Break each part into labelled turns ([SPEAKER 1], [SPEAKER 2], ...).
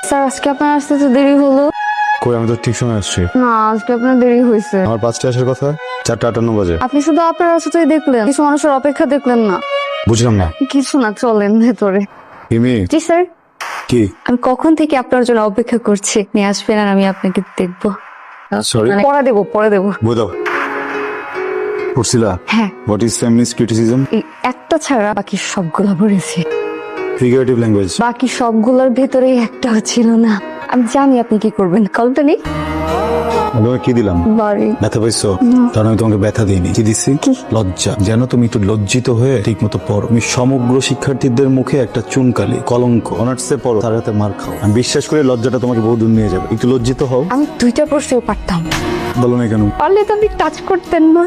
[SPEAKER 1] Sir আজকে আপনার আসতে তো দেরি হলো।
[SPEAKER 2] কই, আমি তো ঠিক সময় আসছি।
[SPEAKER 1] না, আজকে আপনার দেরি হয়েছে।
[SPEAKER 2] আমার 5টা আসার কথা, 4:58 বাজে।
[SPEAKER 1] আপনি শুধু আপনার রাস্তাতেই দেখলেন, কিছু মানুষের অপেক্ষা দেখলেন না।
[SPEAKER 2] বুঝলাম না।
[SPEAKER 1] কিছু না, চলেন ভেতরে।
[SPEAKER 2] ইমি,
[SPEAKER 1] জি স্যার,
[SPEAKER 2] কি?
[SPEAKER 1] আমি কখন থেকে আপনার জন্য অপেক্ষা করছি, নিয়ে আসবেন আর আমি আপনাকে দেখবো।
[SPEAKER 2] সরি,
[SPEAKER 1] পরে দেবো।
[SPEAKER 2] বুঝাও। পড়ছিলা?
[SPEAKER 1] হ্যাঁ,
[SPEAKER 2] হোয়াট ইজ ফেমিনিস্ট ক্রিটিসিজম?
[SPEAKER 1] এই একটা ছাড়া বাকি সবগুলো পড়েছি।
[SPEAKER 2] Figurative language.
[SPEAKER 1] বাকি সবগুলোর ভেতরেই একটাও ছিল না। আমি জানি আপনি কি করবেন, কলটা নেই।
[SPEAKER 2] তোমাকে কি দিলাম?
[SPEAKER 1] বাড়ি।
[SPEAKER 2] ব্যথা পাইছো? কারণ আমি তোমাকে ব্যথা দিইনি। কি দিচ্ছি? লজ্জা। যেন তুমি একটু লজ্জিত হয়ে ঠিক মতো পড়ো। তুমি সমগ্র শিক্ষার্থীদের মুখে একটা চুনকালি, কলঙ্ক। অনার্সে পড়ো, তার হাতে মার খাও। আমি বিশ্বাস করি লজ্জাটা তোমাকে বহু দূর নিয়ে যাবে। একটু লজ্জিত হও।
[SPEAKER 1] আমি 2টা প্রশ্নও পারতাম।
[SPEAKER 2] বলো না কেন?
[SPEAKER 1] পারলে তো আপনি টাচ করতেন না।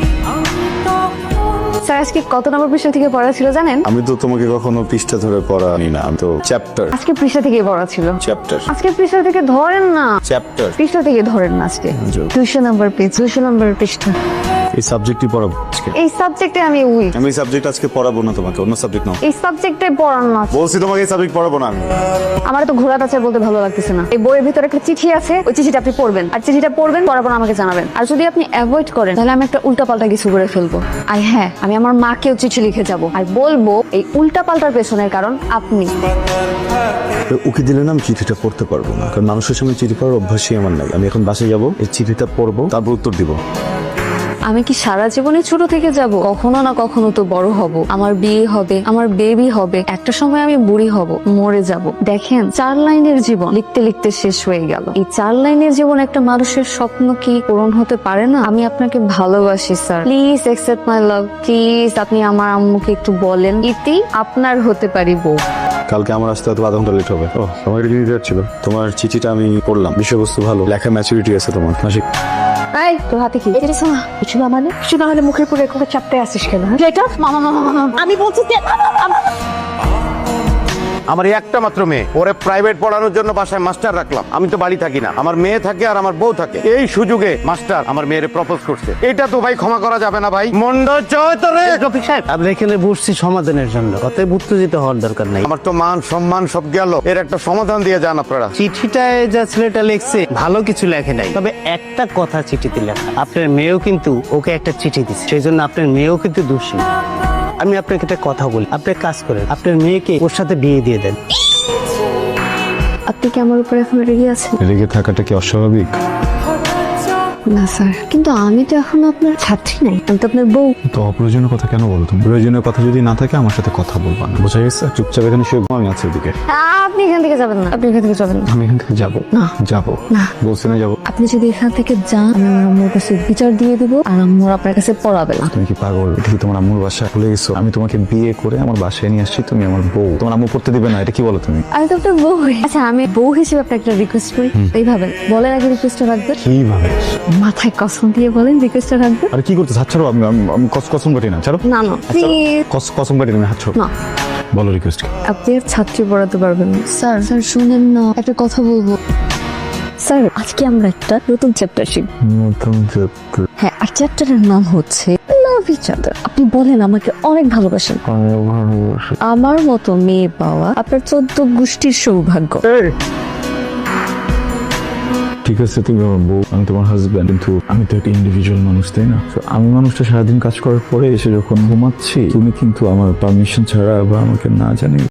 [SPEAKER 1] স্যার আজকে কত নম্বর পৃষ্ঠা থেকে পড়া ছিল জানেন?
[SPEAKER 2] আমি তো তোমাকে কখনো পৃষ্ঠা ধরে পড়ানি না, আমি তো চ্যাপ্টার।
[SPEAKER 1] আজকে পৃষ্ঠা থেকে পড়া ছিল।
[SPEAKER 2] চ্যাপ্টার।
[SPEAKER 1] আজকে পৃষ্ঠা থেকে ধরেন না,
[SPEAKER 2] চ্যাপ্টার।
[SPEAKER 1] পৃষ্ঠা থেকে ধরেন না। আজকে 200 নম্বর পেজ, 200 নম্বর পৃষ্ঠা।
[SPEAKER 2] এই সাবজেক্টই পড়াবো আজকে।
[SPEAKER 1] এই সাবজেক্টে আমি উইক।
[SPEAKER 2] আমি এই সাবজেক্ট আজকে পড়াবো না তোমাকে, অন্য সাবজেক্ট নাও।
[SPEAKER 1] এই সাবজেক্টে পড়ান না।
[SPEAKER 2] বলছি তোমাকে এই সাবজেক্ট পড়াবো না আমি।
[SPEAKER 1] আমার তো ঘোড়া টাচার বলতে ভালো লাগতেছে না। এই বইয়ের ভিতরে একটা চিঠি আছে, ওই চিঠিটা আপনি পড়বেন, আর চিঠিটা পড়বেন, পড়ার পর আমাকে জানাবেন। আর যদি আপনি অ্যাভয়েড করেন তাহলে আমি একটা উল্টাপাল্টা কিছু করে ফেলবো। আর হ্যাঁ, আমি আমার মাকেও চিঠি লিখে যাব আর বলবো এই উল্টাপাল্টার পেছনের কারণ আপনি।
[SPEAKER 2] উকি দিলে না আমি চিঠিটা পড়তে পারবো না, কারণ মানুষের সঙ্গে চিঠি পড়ার অভ্যাসই আমার নাই। আমি এখন বাসায় যাবো, এই চিঠিটা পড়বো, তারপর উত্তর দিব।
[SPEAKER 1] আমি কি সারা জীবনে ছোট থেকে যাব? কখনো না কখনো তো বড় হব, আমার বিয়ে হবে, আমার বেবি হবে, একটা সময় আমি বুড়ি হব, মরে যাব। দেখেন, 4 লাইনের জীবন লিখতে লিখতে শেষ হয়ে গেল। এই 4 লাইনের জীবন একটা মানুষের স্বপ্ন কি পূরণ হতে পারে না? আমি আপনাকে ভালোবাসি sir, please accept my love. Please আপনি আমার আম্মুকে একটু বলেন, ইতি আপনার হতে পারি বউ।
[SPEAKER 2] কালকে আমার আসতে হয়তো আধা ঘন্টা লেট হবে। ও, তোমার চিঠি ছিল। তোমার চিঠিটা আমি পড়লাম, বিষয়বস্তু ভালো, লেখা ম্যাচুরিটি আছে তোমার। মাসিক
[SPEAKER 1] এই তোর হাতে কি? এটা কিছু না। কিছু না মানে? কিছু না হলে মুখের পুরো এরকম চাপতে আসিস কেন? এটা মামা আমি বলছি যে
[SPEAKER 3] আমার এই একটা মাত্র মেয়ে, ওরে প্রাইভেট পড়ানোর জন্য বাসায় মাস্টার রাখলাম। আমি তো বাড়ি থাকি না, আমার মেয়ে থাকে আর আমার বউ থাকে। এই সুযোগে মাস্টার আমার মেয়েরে প্রপোজ করছে। এটা তো ভাই ক্ষমা করা যাবে না ভাই। মন্ডল চয় তোরে।
[SPEAKER 4] রফিক সাহেব, আমরা এখানে বসছি সমাধানের জন্য, অতএব উত্তেজিত হওয়ার দরকার নাই।
[SPEAKER 3] আমার তো মান সম্মান সব গেল, এর একটা সমাধান দিয়ে যান আপনারা।
[SPEAKER 4] চিঠিটায় যা ছেলেটা লিখছে ভালো কিছু লেখে নাই, তবে একটা কথা চিঠিতে লেখা, আপনার মেয়েও কিন্তু ওকে একটা চিঠি দিচ্ছে, সেই জন্য আপনার মেয়েও কিন্তু দোষী। আমি আপনাকে একটা কথা বলি, আপনি এক কাজ করেন, আপনার মেয়েকে ওর সাথে বিয়ে দিয়ে দেন।
[SPEAKER 1] আপনি কি আমার উপরে এখন রেগে আছেন?
[SPEAKER 2] রেগে থাকাটা কি অস্বাভাবিক?
[SPEAKER 1] না স্যার, কিন্তু আমি তো এখন আপনার ছাত্রী নাই, আমি তো আপনার বউ।
[SPEAKER 2] তো অপ্রয়োজনীয় কথা কেন বলো তুমি? প্রয়োজনীয় কথা যদি না থাকে আমার সাথে কথা বলবা না, বোঝা গেছে? চুপচাপ এখানে শুয়ে ঘুমাও, আমি আছি ওদিকে।
[SPEAKER 1] আপনি এখান থেকে যাবেন না, আপনি এখান থেকে যাবেন না।
[SPEAKER 2] আমি এখান থেকে যাবো
[SPEAKER 1] না।
[SPEAKER 2] যাবো
[SPEAKER 1] না।
[SPEAKER 2] বলছি না যাবো।
[SPEAKER 1] আপনি যদি এখান থেকে যান, আমি আমার আম্মুর কাছে বিচার দিয়ে দিব আর আম্মুর আপনার কাছে পড়াবে না।
[SPEAKER 2] তুমি কি পাগল? এটা কি তোমার আম্মুর বাসা? ভুলে গেছো আমি তোমাকে বিয়ে করে আমার বাসায় নিয়ে আসছি, তুমি আমার বউ। তোমার আম্মু পড়তে দিবে না, এটা কি বলো তুমি?
[SPEAKER 1] আমি তো আপনার বউ। আচ্ছা, আমি বউ হিসেবে আপনাকে একটা রিকোয়েস্ট করি, এইভাবে বলেন আগে রিকোয়েস্টটা রাখবেন।
[SPEAKER 2] কিভাবে?
[SPEAKER 1] মাথায় কসম দিয়ে বলেন রিকোয়েস্টটা রাখবেন।
[SPEAKER 2] আরে কি করতে? হাত ছাড়ো। আমি কসম কাটি না, ছাড়ো।
[SPEAKER 1] না না প্লিজ।
[SPEAKER 2] কসম কাটি না, হাত ছাড়ো।
[SPEAKER 1] না,
[SPEAKER 2] বলো রিকোয়েস্ট।
[SPEAKER 1] আপনি আর ছাত্রী পড়াতে পারবেন না। স্যার স্যার শুনেন না, একটা কথা বলবো। স্যার আজকে আমরা একটা নতুন চ্যাপ্টার শিখব। হ্যাঁ, আর চ্যাপ্টারের নাম হচ্ছে লাভ ইচ আদার। আপনি বলেন আমাকে অনেক ভালোবাসেন। আমার মতো মেয়ে পাওয়া আপনার 14 গোষ্ঠীর সৌভাগ্য।
[SPEAKER 2] ঠিক আছে, তুমি আমার বউ, আমি তোমার হাজব্যান্ড, কিন্তু আমি তো একটা ইন্ডিভিজুয়াল মানুষ, তাই না? তো আমি মানুষটা সারাদিন কাজ করার পরে এসে যখন ঘুমাচ্ছি, তুমি কিন্তু আমার পারমিশন ছাড়া বা আমাকে না জানি